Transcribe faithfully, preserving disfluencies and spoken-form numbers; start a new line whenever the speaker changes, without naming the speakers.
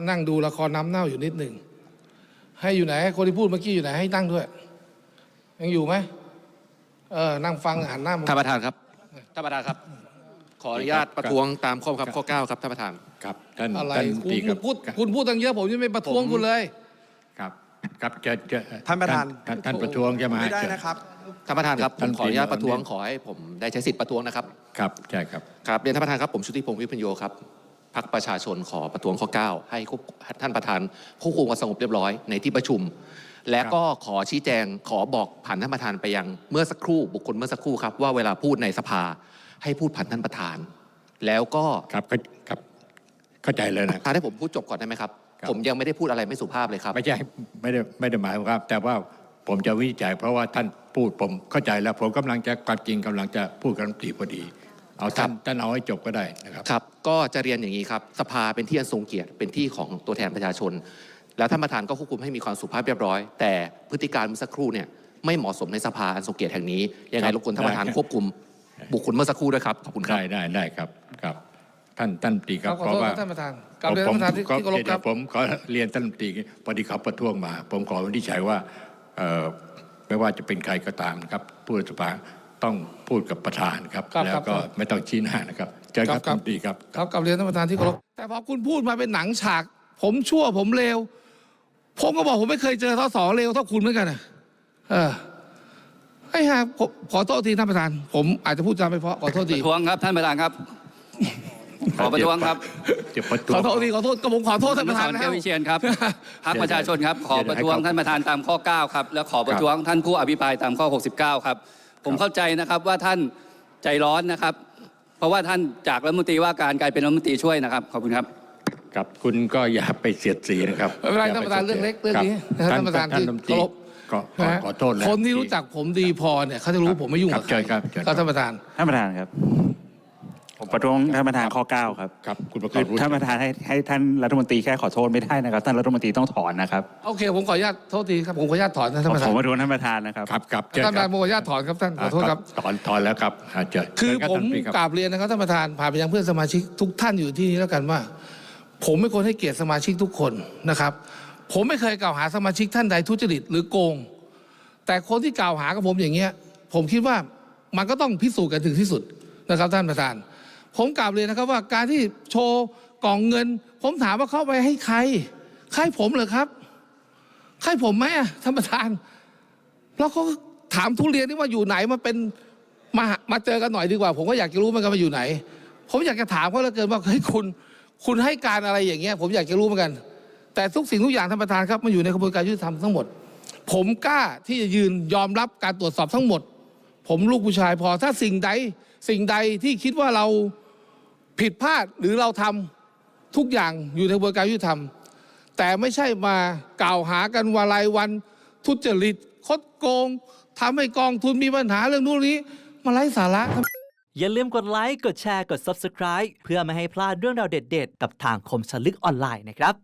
นั่งดูละครน้ำเน่าอยู่นิดหนึ่งให้อยู่ไหนให้คนที่พูดเมื่อกี้อยู่ไหนให้นั่งด้วยยังอยู่ไหมเออนั่งฟังหันหน้ามา
ท่านประธานครับท่านประธานครับขออนุญาตประท้วงตามข้อบังคับข้อเก้าครับท่านประธาน
ครับท่าน
อะไร
ท่าน
คุณ
ตีครับ
พูดคุณพูดตั้งเยอะผมยังไม่ประท้วงคุณเลย
ครับครับจะจะ
ท่านประธาน
ท่านท่านประท้วงใช่ไหม
ไม่ได้นะครับ
ท่านประธานครับผ
ท่าน
มขออนุญาตประท้วง
เรียน
ขอให้ผมได้ใช้สิทธิ์ประท้วงนะครับ
ครับใช่ครับ
ครับเรียนท่านประธานครับผมชุติพงศ์วิพัญโยครับพรรคประชาชนขอประท้วงข้อเก้าให้ท่านประธานควบคุมความสงบเรียบร้อยในที่ประชุม และก็ขอชี้แจงขอบอกผ่านท่านประธานไปยังเมื่อสักครู่บุคคลเมื่อสักครู่ครับว่าเวลาพูดในสภาให้พูดผ่านท่านประธาน แล้วก็
ครับครับเข้าใจเลยนะ
ท่านให้ผมพูดจบก่อนได้ไหมครับ
ครับ
ผมยังไม่ได้พูดอะไรไม่สุภาพเลยครับ
ไม่ใช่ไม่ได้ไม่ได้หมายครับ แต่ว่าผมจะวิจัยเพราะว่าท่านพูดผมเข้าใจแล้ว ผมกำลังจะความจริงกำลังจะพูดกับรัฐมนตรีพอดี เอาท่านท่านเอาให้จบก็ได้นะครับ
ครับก็จะเรียนอย่างนี้ครับสภาเป็นที่อันทรงเกียรติเป็นที่ของตัวแทนประชาชน แล้วท่านประธานก็ควบคุมให้มีความสุภาพเรียบร้อย แต่พฤติการเมื่อสักครู่เนี่ยไม่เหมาะสมในสภาอันทรงเกียรติแห่งนี้ยังไง
ครับ
รบกวนท่านประธาน
ได้
ควบคุมบุคคลเมื่อสักครู่ด้วยครับขอบคุณครับ
ได้ได้ได้ครับครับท่านท่านตีค
ค
รั
รั
บบ
ขอ
เพ
โท
ราะ
ษ
ว่า
ท่านประธานกลับเรียนท่านประธานที่ที่เคารพครับ
ผมขอเรียนท่านตีพอดีเขาประท้วงมา ผมขอวินิจฉัยว่าเอ่อไม่ว่าจะเป็นใครก็ตามนะครับผู้รัฐบาลต้องพูดกับประธานครับ
ครับ
แล้ว
ครับ
ก็ไม่ต้องชี้หน้านะครับเชิญครับ
ครับ
ท่านตีครับ
ครับกลับเรียนท่านประธานที่เคารพแต่พอคุณพูดมาเป็นหนังฉาก ผมชั่วผมเลวผมก็บอกผมไม่เคยเจอทศเลวเท่าคุณเหมือนกันนะเออไอ้ห่าผมขอโทษทีท่านประธาน ผมอาจจะพูดจาไม่เพราะขอโทษ
ป
ที
ระท้วงครับท่านประธานครับ ขอประท้วงครับ
จะประท้ว
ของ โทษทีขอโทษก็ผมขอโทษท่านประธาน
อนุสรณ์
นะค
แก้
รับ
ววิเชียนครับพรรคประชาชนครับขอประท้วง
เดี๋ยวให้เขา
ท่านประธานตามข้อเก้าครับและขอประท้วงท่านผู้อภิปรายตามข้อหกสิบเก้าครับผมเข้าใจนะครับว่าท่านใจร้อนนะครับ เพราะว่าท่านจากรัฐมนตรีว่าการกลายเป็นรัฐมนตรีช่วยนะครับขอบคุณครับ
ครับคุณก็อย่าไปเสียดสีนะครับ
ไม่เป็นไรท่านประธานเรื่องเล็กเรื่องนี้นะครับท่านประธานที่
ท่าน
เคารพ
ก็ขอขอโทษแล้ว
คนที่รู้จักผมดีพอเนี่ยเขาจะรู้ผมไม่ยุ่ง
ครั
กั
บบ
ใคร
เชิญครับเชิญครับ
ก็ท่านประธาน
ท่านประธานครับ ผมประท้วงท่านประธานข้อเก้าครับ
ครับคุณประก
คื
อ
อบ ท่านประธานให้ให้ท่านรัฐมนตรีแค่ขอโทษไม่ได้นะครับท่านรัฐมนตรีต้องถอนนะครับ
โอเคผมขออนุญาตโทษทีครับผมขออนุญาตถอนนะท่านประธา
ผ
น
มประท้วงท่านประธานนะครับ
ครับครับเชิญ
ท่านประ
ค
ธา
รั
น
บ
ผมขออนุญาตถอนครับท่านขอโทษครับ
ถอนถอนแล้วครับอาจจะ
คือ
เชิญรับ
ผม
ท่านตรีครับ
กราบเรียนนะครับท่านประธานผ่านไปยังเพื่อนสมาชิกทุกท่านอยู่ที่นี้แล้วกันว่า ผมไม่ควรให้เกียรติสมาชิกทุกคนนะครับ ผมไม่เคยกล่าวหาสมาชิกท่านใดทุจริตหรือโกง แต่คนที่กล่าวหากับผมอย่างเงี้ย ผมคิดว่ามันก็ต้องพิสูจน์กันถึงที่สุดนะครับท่านประธาน ผมกราบเรียนนะครับว่าการที่โชว์กล่องเงิน ผมถามว่าเข้าไปให้ใครใครผมเหรอครับใครผมไหมอะท่านประธาน แล้วเขาก็ถามทุเรียนนี่ว่าอยู่ไหนมาเป็นมามาเจอกันหน่อยดีกว่า ผมก็อยากจะรู้เหมือนกันว่าอยู่ไหน ผมอยากจะถามเขาเหลือเกินว่าเฮ้ยคุณคุณให้การอะไรอย่างเงี้ย ผมอยากจะรู้เหมือนกัน แต่ทุกสิ่งทุกอย่างท่านประธานครับมันอยู่ในกระบวนการยุติธรรมทั้งหมด ผมกล้าที่จะยืนยอมรับการตรวจสอบทั้งหมด ผมลูกผู้ชายพอถ้าสิ่งใดสิ่งใดที่คิดว่าเราผิดพลาดหรือเราทำทุกอย่างอยู่ในกระบวนการยุติธรรม แต่ไม่ใช่มากล่าวหากันวันรายวันทุจริตคดโกงทำให้กองทุนมีปัญหาเรื่องนู้นนี้มาไร้สาระ
อย่าลืมกดไลค์ กดแชร์ กด ซับสไครบ์ เพื่อไม่ให้พลาดเรื่องราวเด็ดๆ กับทางคมสนลึกออนไลน์นะครับ